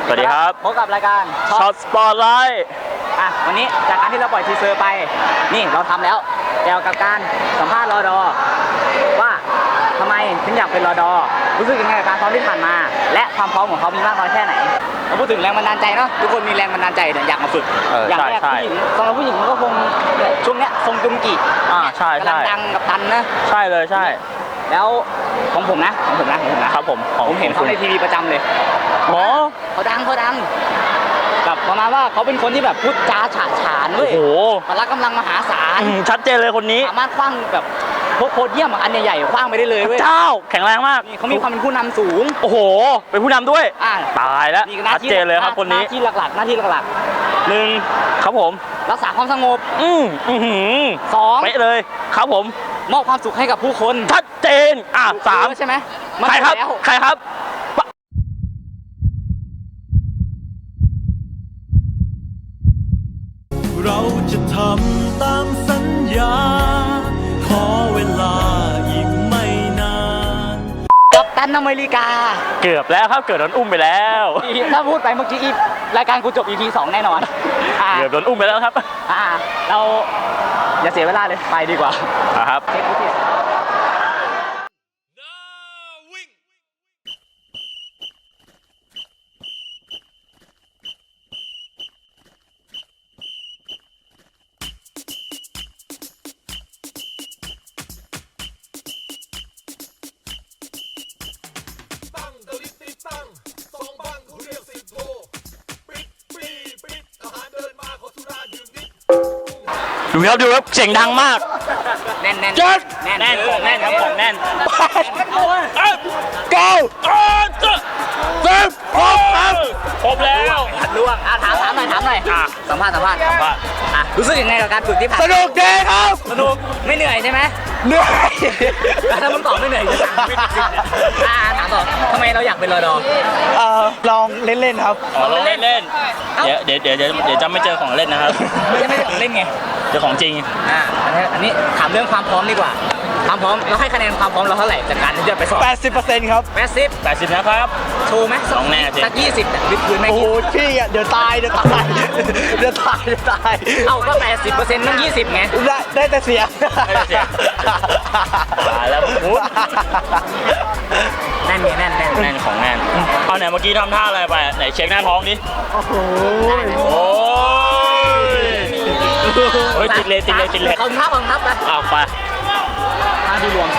วัสดีครับพบกับรายการช็อตสปอร์ตไลท์วันนี้จากการที่เราปล่อยทีเซอร์ไปนี่เราทำแล้วเกี่ยวกับการสัมภาษณ์รอดอว่าทำไมถึงอยากเป็นรอดอรู้สึกยังไงกับการซ้อมที่ผ่านมาและความพร้อมของเขามีมากน้อยแค่ไหนเราพูดถึงแรงบันดาลใจเนาะทุกคนมีแรงบันดาลใจอยากมาฝึกอย่างแรกผู้หญิงสำหรับผู้หญิงมันก็คงช่วงเนี้ยทรงจุงกิใช่กำลังดังกับตันนะใช่เลยใช่แล้วของผมนะครับผมเห็นเขาในทีวีประจำเลยเขาดังแบบประมาณว่าเขาเป็นคนที่แบบพูดจาฉาฉานเว้ยพละกำลังมหาศาลชัดเจนเลยคนนี้สามารถคว้างแบบพวกโพเดียมอันใหญ่ๆคว้างไปได้เลยเว้ยเจ้าแข็งแรงมากเขามีความเป็นผู้นำสูงโอ้โหเป็นผู้นำด้วยตายแล้วชัดเจนเลยครับคนนี้หน้าที่หลักหนึ่งครับผมรักษาความสงบสองเป๊ะเลยครับผมมอบความสุขให้กับผู้คนชัดเจนสามใช่ไหมใครครับเราจะทำตามสัญญาขอเวลาอีกไม่นานกัปตันอเมริกาเกือบแล้วครับเกิดโดนอุ้มไปแล้วถ้าพูดไปเมื่อกี้รายการกูจบ EP 2 แน่นอนเกือบโดนอุ้มไปแล้วครับเราอย่าเสียเวลาเลยไปดีกว่าครับดูครับเสียงดังมากแน่นครับของแน่นเก้าครบแล้วล่วงถามหน่อยสัมภาษณ์รู้สึกยังไงกับการฝึกที่ผ่านสนุกดีครับสนุกไม่เหนื่อยใช่ไหมเหนื่อยถ้ามึงตอบไม่เหนื่อยจะถามต่อทำไมเราอยากเป็นรอดอลองเล่นครับลองเล่นเดี๋ยวจะไม่เจอของเล่นนะครับไม่ใช่ของเล่นไงเจอของจริงอันนี้ถามเรื่องความพร้อมดีกว่าความพร้อมเราให้คะแนนความพร้อมเราเท่าไหร่จากการที่จะไปสอบ 80% ครับ80นะครับโชว์ไหม 2แน่สัก20วิดพื้นไหมโอ้พี่เดี๋ยวตายเอาก็80%ต้อง20ไงได้แต่เสียแล้วพูดแน่นของแน่นเอาไหนเมื่อกี้ทำท่าอะไรไปไหนเช็คหน้าท้องดิโอ้โหติดเลยขอบคุณครับไปไปมาดูรวม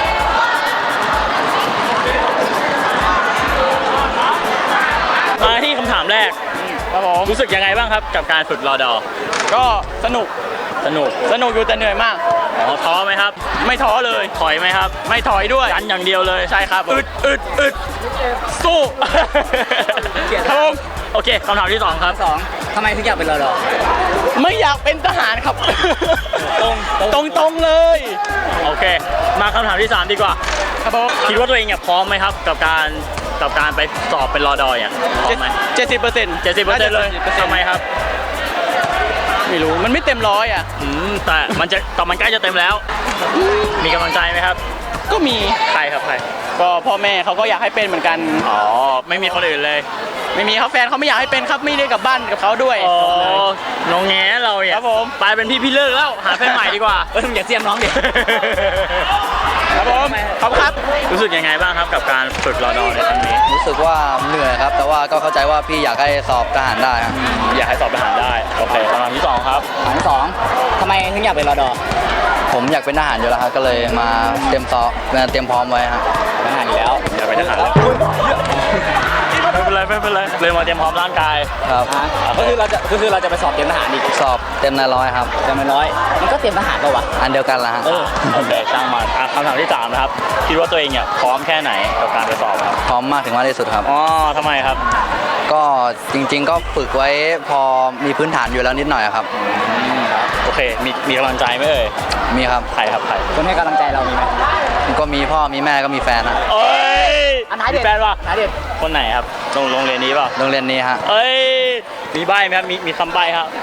มาที่คำถามแรกครับผมรู้สึกยังไงบ้างครับกับการฝึกรอดอก็สนุกอยู่แต่เหนื่อยมากท้อไหมครับไม่ท้อเลยถอยไหมครับไม่ถอยด้วยกันอย่างเดียวเลยใช่ครับอึดสู้ครับผมโอเคคำถามที่2ครับทำไมถึงอยากเป็นรอดอไม่อยากเป็นทหารครับตรงเลยโอเคมาคำถามที่3ดีกว่าครับผมคิดว่าตัวเองพร้อมไหมครับกับการไปสอบเป็นรอดอพร้อมไหม70%เลยทำไมครับไม่รู้มันไม่เต็ม100 แต่มันใกล้จะเต็มแล้วมีกำลังใจไหมครับก็มีใครก็พ่อแม่เขาก็อยากให้เป็นเหมือนกันไม่มีคนอื่นเลยไม่มีครับแฟนเขาไม่อยากให้เป็นครับไม่ได้กลับบ้านกับเขาด้วยน้องแง่เราเนี่ยครับผมไปเป็นพี่เลิกแล้วหาแฟนใหม่ดีกว่าอย่าเสียมน้องดิครับผมขอบคุณครับรู้สึกยังไงบ้างครับกับการฝึกรอดอในครั้งนี้รู้สึกว่าเหนื่อยครับแต่ว่าก็เข้าใจว่าพี่อยากให้สอบทหารได้อยากให้สอบทหารได้โอเคคำถามที่2ครับคำถามที่2ทำไมถึงอยากเป็นรอดอผมอยากเป็นทหารอยู่แล้วครับก็เลยมาเตรียมพร้อมไว้ครับทหารอยู่แล้วอยากเป็นทหารแล้วไม่เป็นไรเลยมาเตรียมพร้อมร่างกายครับก็คือเราจะไปสอบเตรียมทหารอีกสอบเต็มใน100ครับเต็มใน100มันก็เตรียมทหารป่าวะอันเดียวกันละฮะโอเคช่างมันคำถามที่3นะครับคิดว่าตัวเองพร้อมแค่ไหนกับการไปสอบครับพร้อมมากถึงมากที่สุดครับทำไมครับก็จริงๆก็ฝึกไว้พอมีพื้นฐานอยู่แล้วนิดหน่อยครับโอเคมีกำลังใจไหมมีครับใครคนให้กำลังใจเรามีไหมก็มีพ่อมีแม่ก็มีแฟนนะมีแฟนป่ะคนไหนครับโรงเรียนนี้ป่ะโรงเรียนนี้ฮะมีใบ้ไหมครับมีคำใบ้ครับ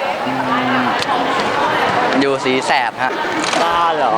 อยู่สีแสบฮะบ้าเหรอ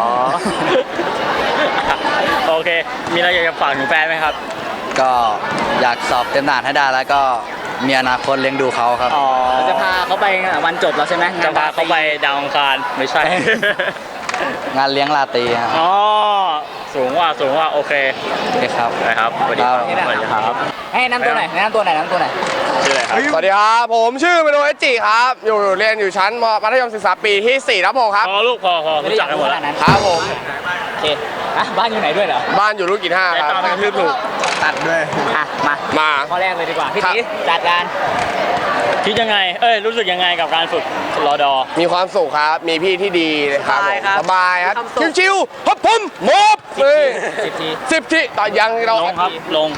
โอเคมีอะไรอยากจะฝากถึงแฟนไหมครับก็อยากสอบเต็มทหารให้ได้แล้วก็มีอนาคตเลี้ยงดูเขาครับอ๋อเราจะพาเขาไปวันจบแล้วใช่ไหมจะพาเขาไปดาวอังคารไม่ใช่งานเลี้ยงราตรีครับอ๋อสูงว่าโอเคโอเคครับนะครับสวัสดีครับสวัสดีครับให้แนะนำตัวหน่อยแนะนำตัวหน่อยแนะนำตัวหน่อยชื่ออะไรครับสวัสดีครับ ผมชื่อเมโนเอจิครับ เรียนอยู่ชั้นมัธยมศึกษาปีที่4ครับผมครับพอลูกพอรู้จักกันหมดแล้วครับผมโอเคอ่ะบ้านอยู่ไหนด้วยเหรอบ้านอยู่ลูกกิน5 แต่ครับตามไปกระทืบถูกตัดด้วยอ่ะมามาข้อแรกเลยดีกว่าพี่ครับตีจัดการคิดยังไงรู้สึกยังไงกับการฝึกรอดอมีความสุขครับ มีพี่ที่ดีเลยครับผมสบายครับ ชิวๆฮับผมโมบเลย 10 ที 10 ที่ต่อยังเราลงครับลง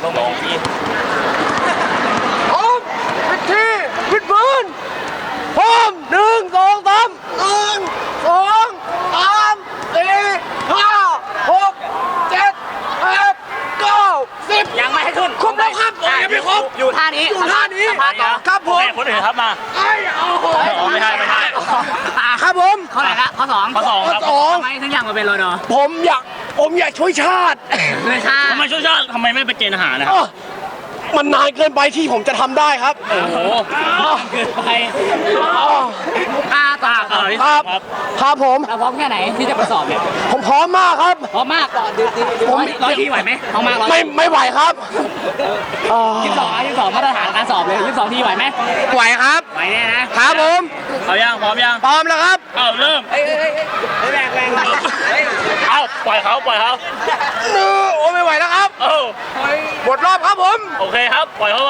พร้อมปิดที่ปิดพื้นพร้อม1 2 3 1 2 3 4 5 6 7 8 9 10 ยังไม่ให้ขึ้นครบแล้วครับอ่ะยังไม่ครบอยู่ท่านี้อยู่ท่านี้สัมภษณ์ต่อครับผมโอเคนอื่นครับมาไอ้เอาโหอ๋อไม่ใช่ครับผมข้อไหนละข้อสองข้อสองครับข้อสองทำไมถึงอยากมาเป็นรอดอผมอยากช่วยชาติเลยค่ะทำไมช่วยชาติทำไมไม่ไปเกณฑ์อาหารนะครับอ้อมันนานเกินไปที่ผมจะทำได้ครับโอ้โหเกินไปอ้อตาข่าวที่คสารัมบครับครับผมเราพร้อมแค่ไหนที่จะไปสอบเนี่ยผมพร้อมมากครับพร้อมมากต่อร้อยทีไหวไหมพร้อมมากร้อยไม่ไหวครับอ้อ 22มาตรฐานการสอบเลย22ทีไหวไหมไหวครับไหวแน่นะครับผมเอายังพร้อมยังพร้อมแล้วครับเอาเริ่มแรงเอาปล่อยเขานื้อโอ้ไม่ไหวแล้วครับเออหมดรอบครับผมโอเคครับ ปล่อยเขาไป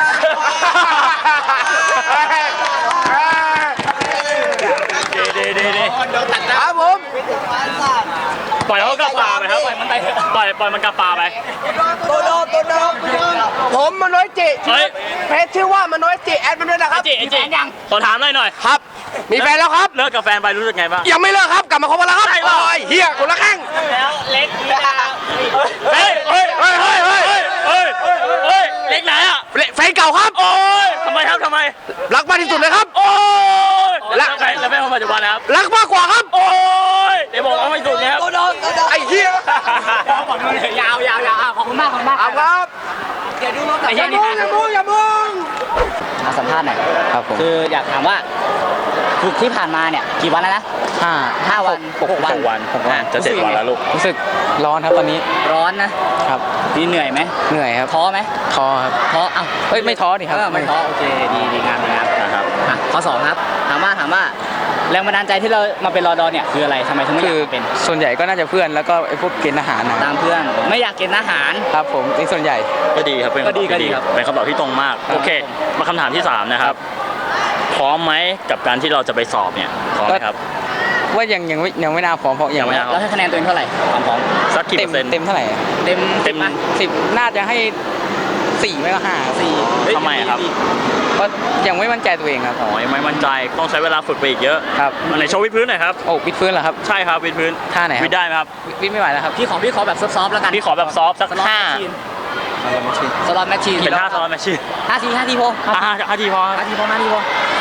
ดีครับผมปล่อยเขากลับป่าไปครับ ปล่อยมันกลับป่าไปตัวโดผมมโนจิเฮ้ยเพจชื่อว่ามโนจิแอดมันด้วยนะครับไอจิขอถามหน่อยครับ มีแฟนแล้วครับเลิกกับแฟนไปรู้สึกไงบ้างยังไม่เลิกครับกลับมาคบกันแล้วครับใช่เปล่าโอ้ยเฮียคนละแข้งแล้วเล็กเฮ้ยเล็กไหนอ่ะแฟนเก่าครับโอ้ยทำไมครับทำไมรักมากที่สุดเลยครับโอ้ยแล้วใครแล้วแม่คนปัจจุบันนะครับรักมากกว่าครับโอ้ยเดี๋ยวบอกว่าไม่ถูกนะครับไอ้เฮียยาวขอบคุณมากเอาครับเดี๋ยวดูรถอย่ามึงมาสัมภาษณ์หน่อยครับผมคืออยากถามว่าฝึกที่ผ่านมาเนี่ยกี่วันแล้วนะ 5 วัน 6 วันจะเจ็ดวันแล้วลูกรู้สึกร้อนครับตอนนี้ร้อนนะครับ นี่เหนื่อยไหมเหนื่อยครับท้อไหมท้อครับท้อเอ้าเอ้ยไม่ท้อดิครับไม่ท้อโอเคดีงามนะครับอ่ะข้อสองครับถามว่าแรงบันดาลใจที่เรามาเป็นรอดอเนี่ยคืออะไรทำไมถึงไม่อคืยาอกเป็นส่วนใหญ่ก็น่าจะเพื่อนแล้วก็ไอ้พวกเกณฑ์อาหารนะตามเพื่อนไม่อยากกินอาหารครับผมในส่วนใหญ่ก็ดีครับเป็นคำตอบที่ก็ดีครับเป็นคำตอบที่ตรงมากครับโอเค มาคำถามที่ 3 นะครับ พร้อมไหมกับการที่เราจะไปสอบเนี่ยพร้อมไหมครับว่ายังไม่น่าพร้อมเพราะยังไม่น่าแล้วให้คะแนนตัวเองเท่าไหร่ความพร้อมสักกี่เต็เปมอร์เซ็นต์เต็มเท่าไหร่อะเต็มเต็มไหม 10น่าจะให้4ไม่ก็5 4 ทำไมอะครับเพราะยังไม่มั่นใจตัวเองครับอ๋อยังไม่มั่นใจต้องใช้เวลาฝึกไปอีกเยอะครับอันไหนโชว์วิดพื้นหน่อยครับโอ้วิดพื้นเหรอครับใช่ครับวิดพื้นท่าไหนครับวิดได้ไหมครับวิดไม่ไหวแล้วครับพี่ขอแบบซอฟๆแล้วกันพี่ขอแบบซอฟต์สักสล็อตห้าสล็อตแมชชีนเป็นท่าสล็อตแมชชีน 5 ทีพอ 5 ทีพอครับ 5 ทีพอ5 ทีพอ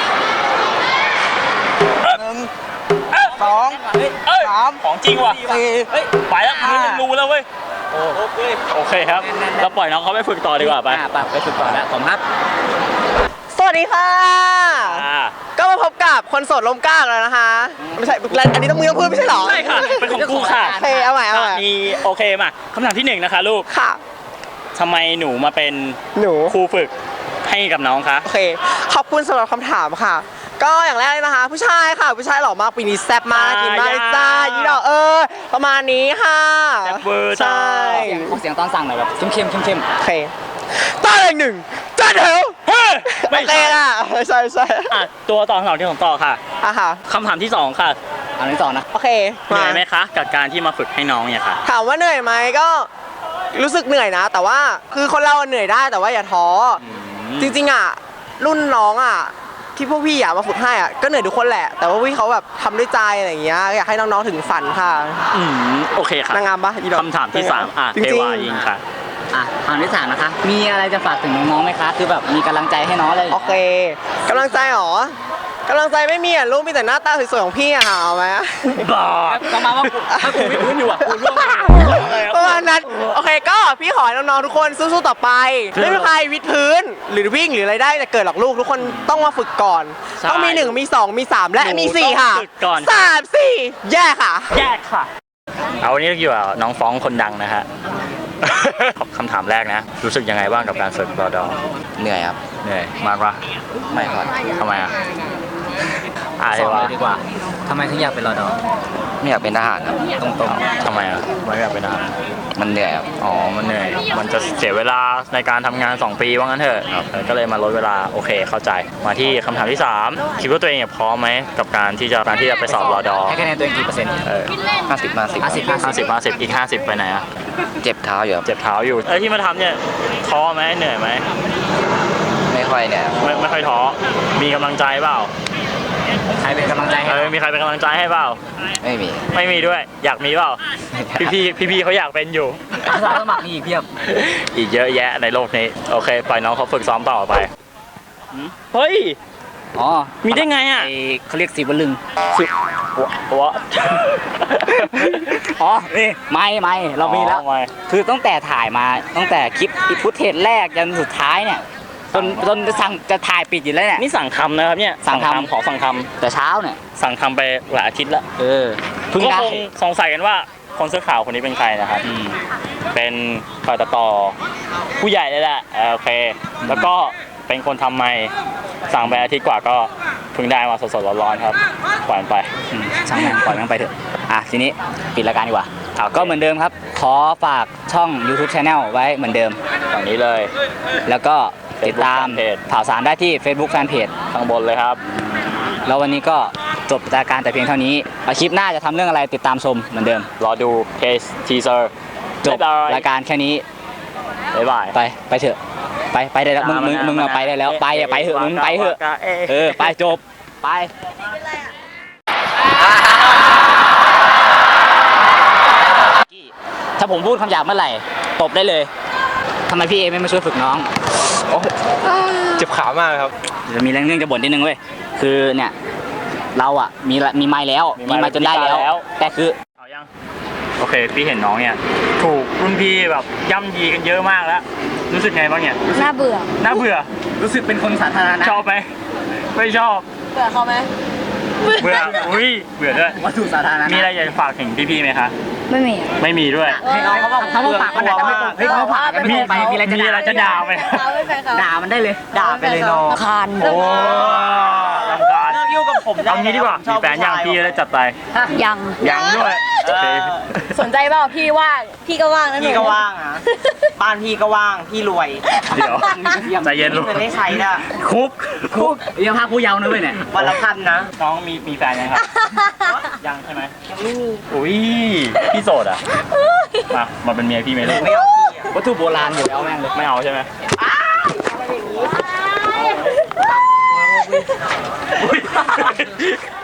ของจริงว่ะไปแล้วพื้นยังรูแล้วเว้ยโอเคครับเราปล่อยน้องเขาไปฝึกต่อดีกว่าไปไปฝึกต่อแล้วผมครับสวัสดีค่ะอ่าก็มาพบกับคนโสดลมกล้าแล้วนะคะ ไม่ใช่อันนี้ต้องมือต้องพูดไม่ใช่เหรอใช่ค่ะเป็นของกูค่ะโอเคเอาใหม่มีโอเคมาคำถามที่ 1 นะคะลูกค่ะทำไมหนูมาเป็นหนูครูฝึกให้กับน้องคะโอเค ขอบคุณสำหรับคำถามค่ะ ก็อย่างแรกเลยนะคะ ผู้ชายค่ะ ผู้ชายหล่อมากปีนี้แซ่บมากกินมากเลยจ้ายี่ดอกประมาณนี้ค่ะแซ่บเวอร์จ้าใช่ขอเสียงตอนสั่งหน่อยแบบเข้มโอเคต้าเลงหนึ่งจ้าเถวเฮ้ยโอไม่เคใช่ค่ะใช่ใช่อ่ะตัวต่อคำถามที่ผมต่อค่ะอ่ะค่ะคำถามที่ 2 ค่ะอันที่สองนะโอเคเหนื่อยไหมคะกับการที่มาฝึกให้น้องเนี่ยค่ะถามว่าเหนื่อยไหมก็รู้สึกเหนื่อยนะ แต่ว่าคือคนเราเหนื่อยได้แต่ว่าอย่าท้ออจริงๆอ่ะรุ่นน้องอ่ะที่พวกพี่อยากมาฝึกให้อ่ะก็เหนื่อยทุกคนแหละ แต่ว่าพี่เขาแบบทำด้วยใจอะไรอย่างเงี้ยอยากให้น้องๆถึงฝันค่ะโอเคค่ะนางงามปะอีดอกคำถามที่ 3 อ่ะจเทริงวายิงค่ะอ่ะคำที่สามนะคะ มีอะไรจะฝากถึงน้องๆไหมคะ คือแบบมีกำลังใจให้น้องเลยๆโอเคกำลังใจเหรอกำลังใจไม่มีอ่ะลูกมีแต่หน้าตาสวยๆของพี่อ่ะหาเอาไหมบ้าประมาณว่าถ้ากูไม่พื้นอยู่อ่ะกูร่วงประมาณนั้นโอเคก็พี่ขอให้น้องๆทุกคนสู้ๆต่อไปไม่มีใครวิดพื้นหรือวิ่งหรืออะไรได้แต่เกิดหรอกลูกทุกคนต้องมาฝึกก่อนใช่ต้องมี1มี2มี3และมี4ค่ะหนูต้องฝึกก่อน 3 4แย่ค่ะแยกค่ะ เอาวันนี้เราอยู่กับน้องฟ้องคนดังนะฮะ คำถามแรกนะ รู้สึกยังไงบ้างกับการฝึกรอดอเหนื่อยครับเหนื่อยมากปะไม่ครับทำไมอ่ะอะไรสอนวะเลยดีกว่าทำไมถึงอยากเป็นรอดอไม่อยากเป็นทหารครับตรงทำไมอ่ะไม่อยากเป็นทหารมันเหนื่อยครับอ๋อ มันเหนื่อย มันจะเสียเวลาในการทำงาน 2 ปีว่างั้นเถอะก็เลยมาลดเวลา โอเค เข้าใจ มาที่คำถามที่ 3 คิดว่าตัวเองพร้อมไหมกับการที่จะไปสอบรอดอๆให้คะแนนตัวเองกี่เปอร์เซ็นต์ 50 อีก 50 ไปไหนอ่ะเจ็บเท้าอยู่ครับเจ็บเท้าอยู่ที่มาทำเนี่ยท้อไหมเหนื่อยไหมไม่ค่อยเนี่ยครับไม่ค่อยท้อ มีกำลังใจเปล่าใครเป็นกำลังใจให้มีใครเป็นกำลังใจให้เปล่าไม่มีไม่มีด้วย อยากมีเปล่า พี่เขาอยากเป็นอยู่อาสาสมัครมีอีกเพียบอีกเยอะแยะในโลกนี้ โอเค ปล่อยน้องเขาฝึกซ้อมต่อไป เฮ้ยอ๋อมีได้ไงอ่ะเขาเรียกสีวลึงวะอ๋อ นี่ไม่เรามีแล้วอ๋อไม่คือตั้งแต่ถ่ายมาตั้งแต่คลิปอีพุทเทจแรกยันสุดท้ายเนี่ยจนจะถ่ายปิดอยู่แล้วเนี่ยนี่สั่งทำนะครับเนี่ยสั่งทำขอสั่งทแต่เช้าเนี่ยำสั่งทำไปหลายอาทิตย์แล้วเพิ่งก็ได้คงสงสัยกันว่าคนเสื้อขาวคนนี้เป็นใครนะครับ เป็นฝ่ายตัดต่อผู้ใหญ่เลยแหละโอเค แล้วก็เป็นคนทำไมค์สั่งไปอาทิตย์กว่าก็เพิ่งได้มาสดๆร้อนๆครับปล่อยมันไปช่างแม่งปล่อยแม่งไปเถอะทีนี้ปิดรายการดีกว่าก็เหมือนเดิมครับ ขอฝากช่อง YouTube Channel ไว้เหมือนเดิมฝั่งนี้เลยแล้วก็ติดตาม Facebook Fanpage ข่าวสารได้ที่ Facebook Fanpage ข้างบนเลยครับแล้ววันนี้ก็จบรายการแต่เพียงเท่านี้คลิปหน้าจะทำเรื่องอะไรติดตามชมเหมือนเดิมรอดูเทสทีเซอร์จบรายการแค่นี้บ๊ายบายไปเถอะไปได้แล้วมึงไปได้แล้วไปเถอะมึงไปเถอะไปจบไปถ้าผมพูดคำหยาบเมื่อไหร่ตบได้เลยทำไมพี่เอไม่มาช่วยฝึกน้องเจ็บขามากครับจะมีเรื่องจะบ่นนิดนึงเว้ยคือเนี่ยเราอ่ะมีไม้แล้วมีไม้จนได้แล้วแต่คือเอายังโอเคพี่เห็นน้องเนี่ยถูกรุ่นพี่แบบย่ำยีกันเยอะมากแล้ว รู้สึกไงบ้างเนี่ยน่าเบื่อน่าเบื่อรู้สึกเป็นคนสาธารณะชอบไหมไม่ชอบเบื่อเขาไหมเบื่ออุ้ยเบื่อด้วยวัตถุสาธารณะมีอะไรอยากจะฝากถึงพี่ๆไหมคะไม่มีไม่มีด้วยให้น้องเขาบอกเขาฝากกันแต่ไม่ตรงเขาฝากกันมีไปมีอะไรจะด่าไหมเขาไม่แฟนเขาด่ามันได้เลยด่าไปเลยน้องคานโอ้ลำคาญเลิกยุ่งกับผมได้เอางี้ดีกว่ามีแฟนยังพี่จะได้จัดไปยังยังด้วยโอเคสนใจเปล่าพี่ว่าง พี่ก็ว่างนะหนูพี่ก็ว่างอ่ะ บ้านพี่ก็ว่าง พี่รวยเดี๋ยวใจเย็นลูกเงินได้ใช้น่ะคุกยังพาผู้เยาว์นะเว้ยเนี่ยวันละพันนะน้องมีแฟนยังครับ ยังใช่ไหมยังไม่มีอุ้ยพี่โสดอ่ะมาเป็นเมียพี่ไหมลูกไม่เอาพี่อ่ะวัตถุโบราณอยู่แล้วแม่งเลยไม่เอาใช่ไหมอุ๊ย